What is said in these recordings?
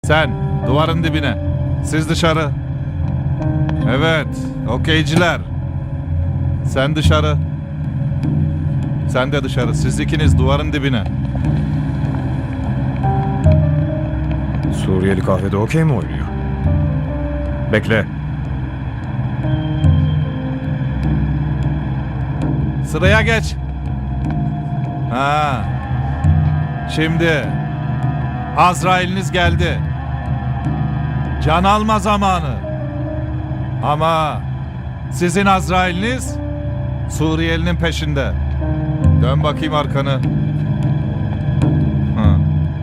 Sen duvarın dibine. Siz dışarı. Evet, okeyciler. Sen dışarı. Sen de dışarı. Siz ikiniz duvarın dibine. Suriyeli kahvede okey mi oynuyor? Bekle. Sıraya geç. Ha. Şimdi Azrail'iniz geldi. Can alma zamanı. Ama sizin Azrail'iniz Suriyelinin peşinde. Dön bakayım arkanı. Ha.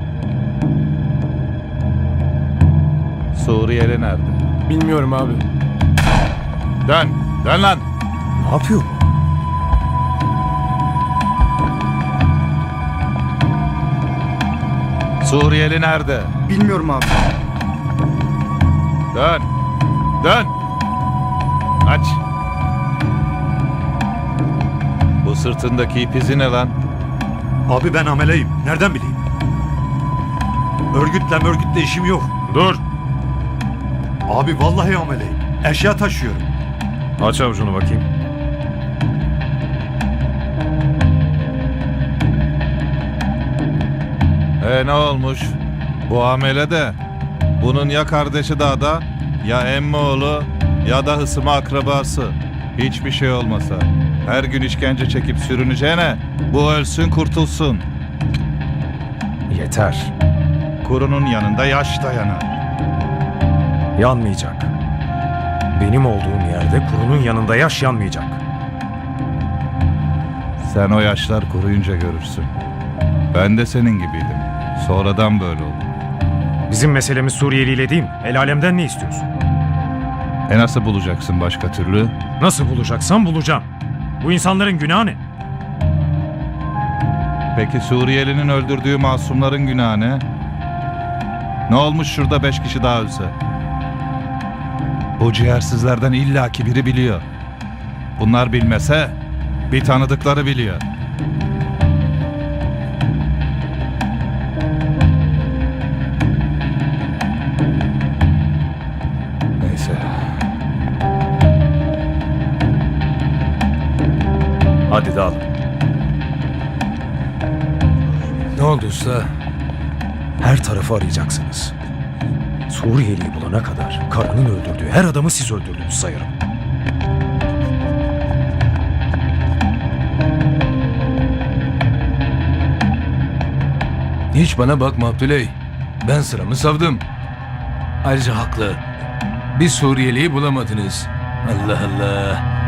Suriyeli nerede? Bilmiyorum abi. Dön. Dön lan. Ne yapıyor bu? Suriyeli nerede? Bilmiyorum abi. Dön. Dön. Aç. Bu sırtındaki ip izi ne lan? Abi ben ameleyim. Nereden bileyim? Örgütle işim yok. Dur. Abi vallahi ameleyim. Eşya taşıyorum. Aç avucunu bakayım. Ne olmuş? Bu amele de bunun ya kardeşi dağda ya emmi oğlu ya da hısımı akrabası. Hiçbir şey olmasa. Her gün işkence çekip sürüneceğine bu ölsün kurtulsun. Yeter. Kurunun yanında yaş dayanar. Yanmayacak. Benim olduğum yerde kurunun yanında yaş yanmayacak. Sen o yaşlar kuruyunca görürsün. Ben de senin gibiydim. Sonradan böyle oldu. Bizim meselemiz Suriyeli ile değil mi? El alemden ne istiyorsun? Nasıl bulacaksın başka türlü? Nasıl bulacaksam bulacağım. Bu insanların günahı ne? Peki Suriyelinin öldürdüğü masumların günahı ne? Ne olmuş şurada 5 kişi daha ölse? Bu ciğersizlerden illaki biri biliyor. Bunlar bilmese bir tanıdıkları biliyor. Neyse. Hadi dağılın. Ne oldu usta? Her tarafı arayacaksınız. Suriyeli'yi bulana kadar karının öldürdüğü her adamı siz öldürdünüz sayarım. Hiç bana bakma Abdüley. Ben sıramı savdım. Ayrıca haklı. Bir Suriyeli'yi bulamadınız. Allah Allah.